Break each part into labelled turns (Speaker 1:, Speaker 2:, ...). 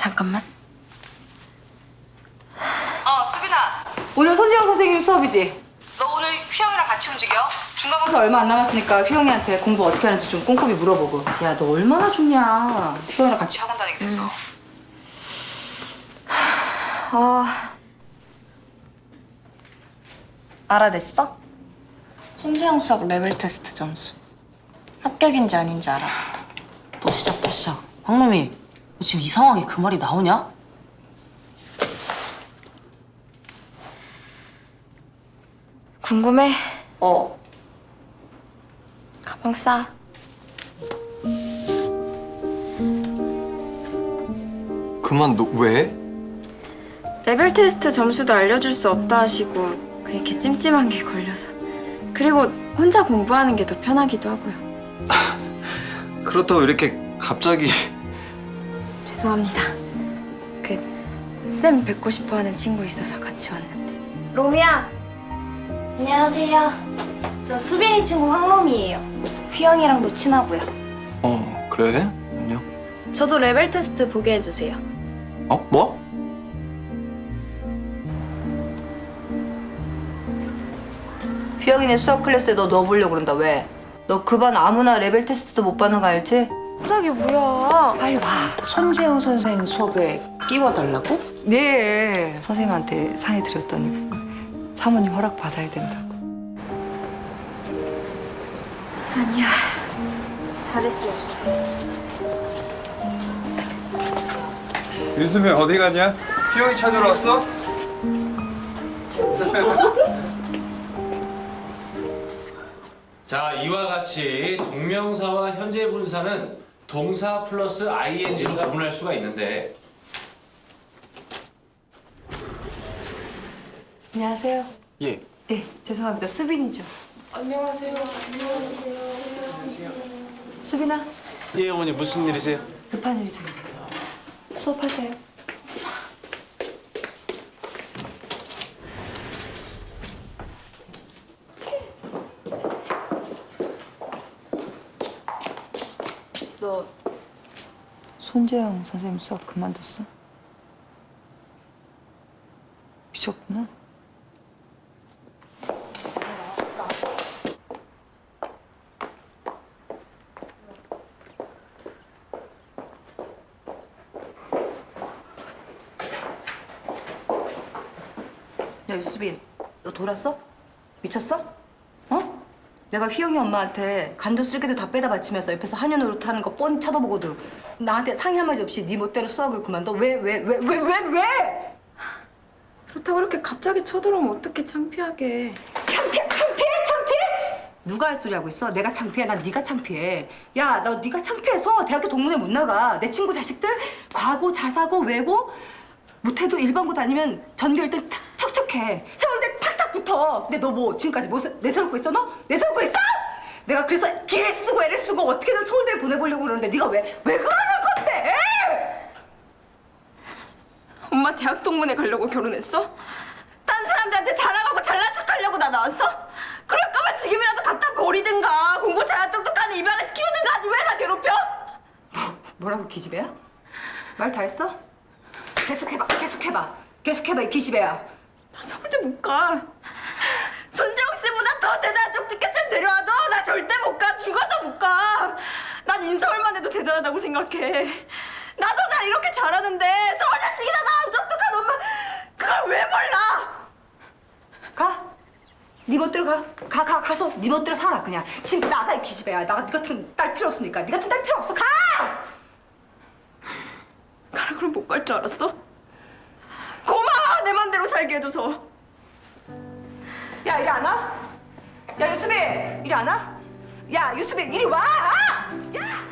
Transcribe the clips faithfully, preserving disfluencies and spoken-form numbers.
Speaker 1: 잠깐만.
Speaker 2: 어, 수빈아. 오늘 손지영 선생님 수업이지? 너 오늘 휘영이랑 같이 움직여? 중간고사 얼마 안 남았으니까 휘영이한테 공부 어떻게 하는지 좀 꼼꼼히 물어보고. 야, 너 얼마나 좋냐. 휘영이랑 같이 학원 다니게 돼서. 음. 어...
Speaker 1: 알아냈어? 손지영 수학 레벨 테스트 점수. 합격인지 아닌지 알아봤다.
Speaker 3: 또 시작 또 시작. 황놈이 너 지금 이 상황에 그 말이 나오냐?
Speaker 1: 궁금해?
Speaker 3: 어.
Speaker 1: 가방 싸.
Speaker 4: 그만 너 왜?
Speaker 1: 레벨 테스트 점수도 알려줄 수 없다 하시고 이렇게 찜찜한 게 걸려서. 그리고 혼자 공부하는 게 더 편하기도 하고요.
Speaker 4: 그렇다고 이렇게 갑자기...
Speaker 1: 죄송합니다. 그 쌤 뵙고 싶어 하는 친구 있어서 같이 왔는데. 로미야! 안녕하세요. 저 수빈이 친구 황로미예요. 휘영이랑도 친하고요.
Speaker 4: 어 그래? 안녕.
Speaker 1: 저도 레벨 테스트 보게 해주세요.
Speaker 4: 어? 뭐?
Speaker 2: 휘영이네 수학 클래스에 너 넣어보려고 그런다. 왜? 너 그 반 아무나 레벨 테스트도 못 받는 거 알지?
Speaker 1: 갑자기 뭐야?
Speaker 3: 빨리 와. 손재영 선생 수업에 끼워달라고?
Speaker 2: 네. 선생님한테 상의 드렸더니 사모님 허락 받아야 된다고.
Speaker 1: 아니야. 잘했어요, 수빈.
Speaker 5: 유수미 어디 가냐?
Speaker 4: 휘영이 찾으러 왔어?
Speaker 6: 자, 이와 같이 동명사와 현재 분사는 동사 플러스 아이엔지로 구분할 수가 있는데
Speaker 2: 안녕하세요.
Speaker 4: 예.
Speaker 2: 네, 죄송합니다. 수빈이죠.
Speaker 7: 안녕하세요. 안녕하세요. 안녕하세요.
Speaker 2: 수빈아,
Speaker 5: 예 어머니 무슨 일이세요?
Speaker 2: 급한 일이 좀 있어서 수업하세요. 너 손재영 선생님 수업 그만뒀어? 미쳤구나. 야, 유수빈, 너 돌았어? 미쳤어? 어? 내가 휘영이 엄마한테 간도 쓸개도 다 빼다 바치면서 옆에서 한여 노릇하는 거 뻔히 쳐다보고도 나한테 상의 한마디 없이 네 멋대로 수학을 그만둬? 왜, 왜, 왜, 왜, 왜, 왜?
Speaker 1: 그렇다고 이렇게 갑자기 쳐들어오면 어떻게 창피하게.
Speaker 2: 창피해, 창피해, 창피해? 누가 할 소리 하고 있어? 내가 창피해? 난 네가 창피해. 야, 나 네가 창피해서 대학교 동문회 못 나가. 내 친구 자식들 과고, 자사고, 외고 못해도 일반고 다니면 전교 일 등 척척해. 서울대 탁탁 붙어. 근데 너 뭐 지금까지 뭐 내세울 거 있어 너? 내세울 거 있어? 내가 그래서 기를 쓰고 애를 쓰고 어떻게든 서울대를 보내보려고 그러는데 네가 왜, 왜 그러는 건데?
Speaker 1: 엄마 대학 동문회 가려고 결혼했어? 딴 사람들한테 자랑하고 잘난 척하려고 나 나왔어? 그럴 거면 지금이라도 갖다 버리든가 공부 잘한 똑똑한 입양을 시키든가 하지 왜 나 괴롭혀?
Speaker 2: 뭐라고 기집애야? 말 다 했어? 계속해봐, 계속해봐. 계속해봐, 이 기집애야.
Speaker 1: 나 서울대 못 가. 손재욱 씨보다 더 대단한 쪽집게 쌤 데려와도 나 절대 못 가. 죽어도 못 가. 난 인서울만 해도 대단하다고 생각해. 나도 날 이렇게 잘하는데 서울 자식이다 나안 똑똑한 엄마 그걸 왜 몰라?
Speaker 2: 가. 네 멋대로 가. 가, 가, 가서 네 멋대로 살아, 그냥. 지금 나가, 이 기집애야. 나 같은 딸 필요 없으니까. 네 같은 딸 필요 없어. 가!
Speaker 1: 가라 그럼 못 갈 줄 알았어? 고마워 내 맘대로 살게 해줘서.
Speaker 2: 야, 이리 안 와? 야, 유수빈! 이리 안 와? 야, 유수빈, 이리 와! 야!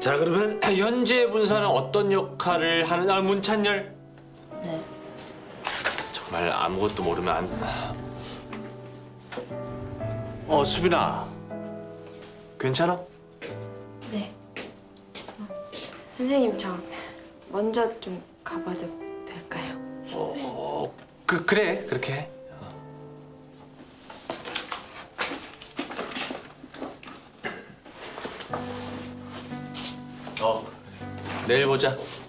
Speaker 6: 자 그러면 현재 분사는 어떤 역할을 하는 아 문찬열?
Speaker 3: 네.
Speaker 6: 정말 아무것도 모르면 안. 어 수빈아, 괜찮아?
Speaker 7: 네. 선생님 저 먼저 좀 가봐도 될까요?
Speaker 6: 어, 그 그래 그렇게 해. 어, 내일 보자.